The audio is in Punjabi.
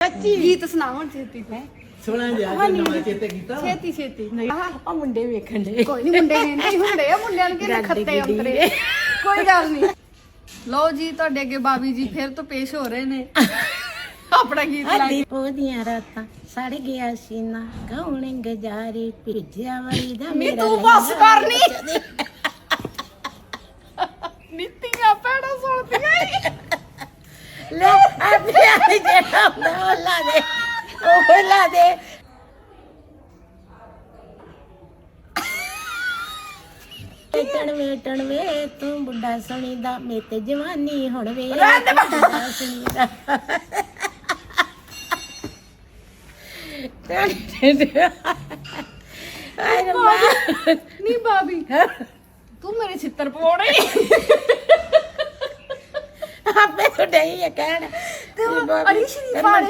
ਸੱਚੀ ਗੀਤ ਸੁਣਾ ਹੁਣ ਛੇਤੀ ਤੇ ਸੁਣਾ ਜਾ ਕੇ ਨਵਾਂ ਚੇਤੇ ਕੀਤਾ ਛੇਤੀ ਛੇਤੀ ਆ ਮੁੰਡੇ ਵੇਖਣ ਦੇ ਕੋਈ ਨਹੀਂ ਮੁੰਡੇ ਕਹਿੰਦੇ ਹੀ ਹੁੰਦੇ ਆ ਮੁੰਡਿਆਂ ਨੂੰ ਕਿਹਨੇ ਖੱਤੇ ਅੰਤਰੇ ਕੋਈ ਗੱਲ ਨਹੀਂ ਲਓ ਜੀ ਤੁਹਾਡੇ ਅੱਗੇ ਬਾਬੀ ਜੀ ਫਿਰ ਤੋਂ ਪੇਸ਼ ਹੋ ਰਹੇ ਨੇ ਆਪਣਾ ਗੀਤ ਲਾ ਕੇ ਉਹਦੀਆਂ ਰਾਤਾਂ ਸੜ ਗਿਆ ਸੀਨਾ ਕੌਣ ਗਜਾਰੇ ਭੇਜਿਆ ਵਾਲੀ ਦਾ ਨੀ ਤੂੰ ਬਸ ਕਰ ਨੀ ਨੀਤੀਆਂ ਪੈੜਾ ਸੁਣਦੀਆਂ ਈ। ਲੈ ਆਪਣੇ ਆਲੇ ਜਿਹੜਾ ਹੁੰਦਾ ਉਹ ਲਾ ਦੇ ਵੇਟਣ ਵੇ ਤੂੰ ਬੁੱਢਾ ਸੁਣੀਦਾ ਮੇ ਤੇ ਜਵਾਨੀ ਹੁਣ ਵੇ ਬੁੱਢਾ ਸੁਣੀਦਾ ਆਏ ਰੱਬਾ ਨੀ ਬਾਬੀ ਤੂੰ ਮੇਰੇ ਛਿੱਤਰ ਪਵਾਉਣੇ ਆਪੇ ਤੋਂ ਡਈ ਹੈ ਕਹਿਣ ਤੇ ਅੜੀ ਸ਼ਰੀਫ ਵਾਲੇ